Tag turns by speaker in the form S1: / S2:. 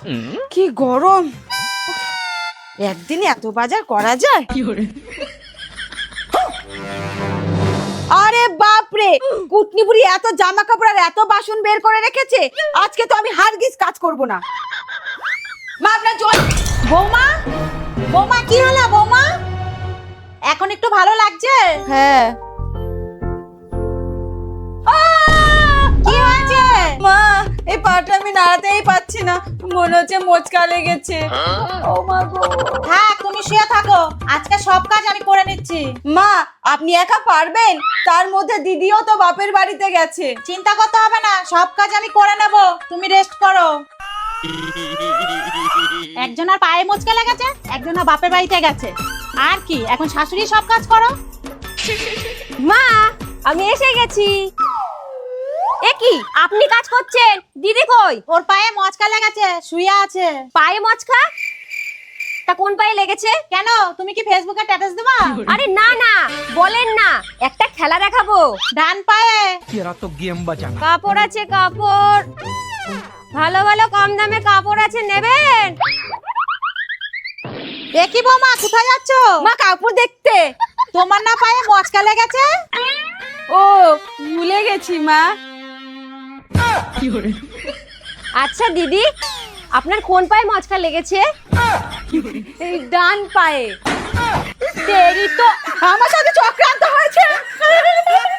S1: কি গরম, একদিনে এত বাজার করা যায়? আরে বাপরে, কুটনি বুড়ি এত জামা কাপড় আর এত বাসন বের করে রেখেছে, আজকে তো আমি হারগিজ কাজ করব না। মা আপনার জল। বৌমা, বৌমা কি হলো বৌমা? এখন একটু ভালো লাগছে? হ্যাঁ। কি হয়েছে মা? এই পাটা আমি নাড়াতেই পাচ্ছি না, মনে হচ্ছে মোচকা লেগেছে। ও মা গো। হ্যাঁ তুমি শুয়ে থাকো, আজকে সব কাজ আমি করে নিচ্ছি। মা আপনি একা পারবেন? তার মধ্যে দিদিও তো বাপের বাড়িতে গেছে। চিন্তা করতে হবে না, সব কাজ আমি করে নেব, তুমি রেস্ট করো। একজনের পায়ে মোচকা লেগেছে, একজনের বাপের বাড়িতে গেছে, আর কি এখন শাশুড়ি সব কাজ করো।
S2: মা আমি এসে গেছি। এ কি আপনি কাজ করছেন? দিদি কই?
S1: ওর পায়ে মোচকা লেগেছে, শুয়ে আছে।
S2: পায়ে মচকা? তা কোন পায়ে লেগেছে?
S1: কেন তুমি কি ফেসবুকে স্ট্যাটাস দেবা?
S2: আরে না না, বলেন না, একটা খেলা দেখাবো।
S1: ডান পায়ে।
S3: तेरा तो गेम बजाना।
S2: কাপড় আছে কাপড়, ভালো ভালো কম দামে কাপড় আছে, নেবেন?
S1: দেখি বৌমা কোথায় যাচ্ছ?
S2: মা কাপড় দেখতে।
S1: তোমার না পায়ে মোচকা লেগেছে?
S2: ও ভুলে গেছি মা। আচ্ছা দিদি, আপনার কোন পায়ে মচকা লেগেছে? এই ডান পায়ে। দেরি তো।
S1: আমার সাথে চক্রান্ত হয়েছে।